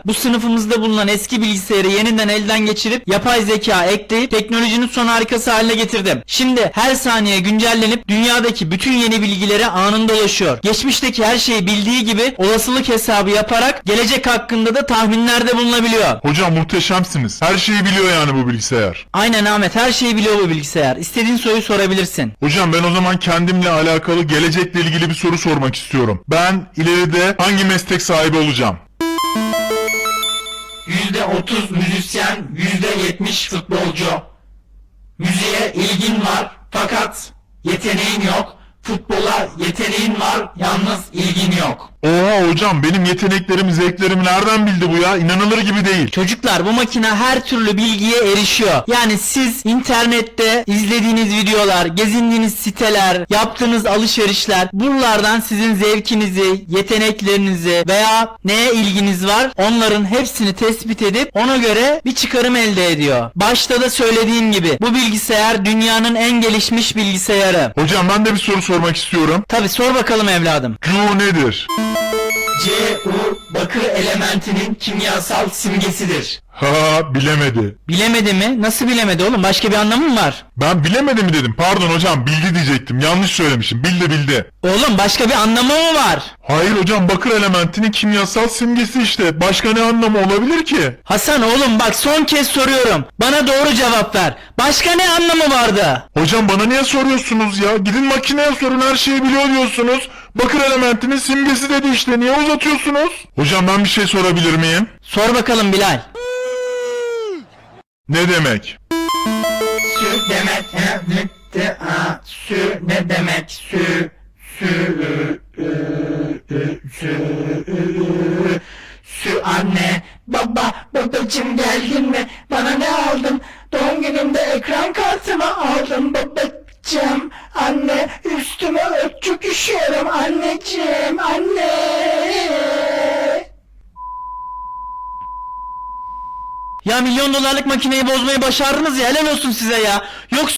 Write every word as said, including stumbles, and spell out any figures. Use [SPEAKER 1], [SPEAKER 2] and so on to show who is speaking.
[SPEAKER 1] Bu sınıfımızda bulunan eski bilgisayarı yeniden elden geçirip yapay zeka ekleyip teknolojinin son harikası haline getirdim. Şimdi her saniye güncellenip dünyadaki bütün yeni bilgilere anında ulaşıyor. Geçmişteki her şeyi bildiği gibi olasılık hesabı yaparak gelecek hakkında da tahminlerde bulunabiliyor.
[SPEAKER 2] Hocam muhteşemsiniz. Her şeyi biliyor yani bu bilgisayar.
[SPEAKER 1] Aynen Ahmet, her şeyi biliyor bu bilgisayar. İstediğin soruyu sorabilirsin.
[SPEAKER 2] Hocam ben o zaman kendimle alakalı gelecekle ilgili bir soru sormak istiyorum. Ben ileride hangi meslek sahibi olacağım?
[SPEAKER 1] yüzde otuz müzisyen, yüzde yetmiş futbolcu. Müziğe ilgin var fakat yeteneğin yok. Futbola yeteneğin var, yalnız ilgin yok.
[SPEAKER 2] Oha hocam, benim yeteneklerimi, zevklerimi nereden bildi bu ya? İnanılır gibi değil.
[SPEAKER 1] Çocuklar, bu makine her türlü bilgiye erişiyor. Yani siz internette izlediğiniz videolar, gezindiğiniz siteler, yaptığınız alışverişler, buralardan sizin zevkinizi, yeteneklerinizi veya neye ilginiz var, onların hepsini tespit edip ona göre bir çıkarım elde ediyor. Başta da söylediğim gibi bu bilgisayar dünyanın en gelişmiş bilgisayarı.
[SPEAKER 2] Hocam ben de bir soru sormak istiyorum.
[SPEAKER 1] Tabi, sor bakalım evladım.
[SPEAKER 2] Cu nedir?
[SPEAKER 1] C U bakır elementinin kimyasal simgesidir.
[SPEAKER 2] Ha, bilemedi.
[SPEAKER 1] Bilemedi mi? Nasıl bilemedi oğlum? Başka bir anlamı mı var?
[SPEAKER 2] Ben bilemedi mi dedim. Pardon hocam, bildi diyecektim. Yanlış söylemişim. Bildi bildi.
[SPEAKER 1] Oğlum başka bir anlamı mı var?
[SPEAKER 2] Hayır hocam, bakır elementinin kimyasal simgesi işte. Başka ne anlamı olabilir ki?
[SPEAKER 1] Hasan oğlum bak, son kez soruyorum. Bana doğru cevap ver. Başka ne anlamı vardı?
[SPEAKER 2] Hocam bana niye soruyorsunuz ya? Gidin makineye sorun, her şeyi biliyor diyorsunuz. Bakır elementinin simgesi dedi işte. Niye uzatıyorsunuz? Hocam ben bir şey sorabilir miyim?
[SPEAKER 1] Sor bakalım Bilal.
[SPEAKER 2] Ne demek?
[SPEAKER 1] Sü demek ne? De, a, sü ne demek? Sü sü ü, ü, ü, sü ü, ü. Sü anne. Baba, babacım geldin mi? Bana ne aldın? Doğum günümde ekran kartımı aldım babacım. Anne, üstüme ört, çok üşüyorum anneciğim, anne. Ya milyon dolarlık makineyi bozmayı başardınız ya, helal olsun size ya. Yoksa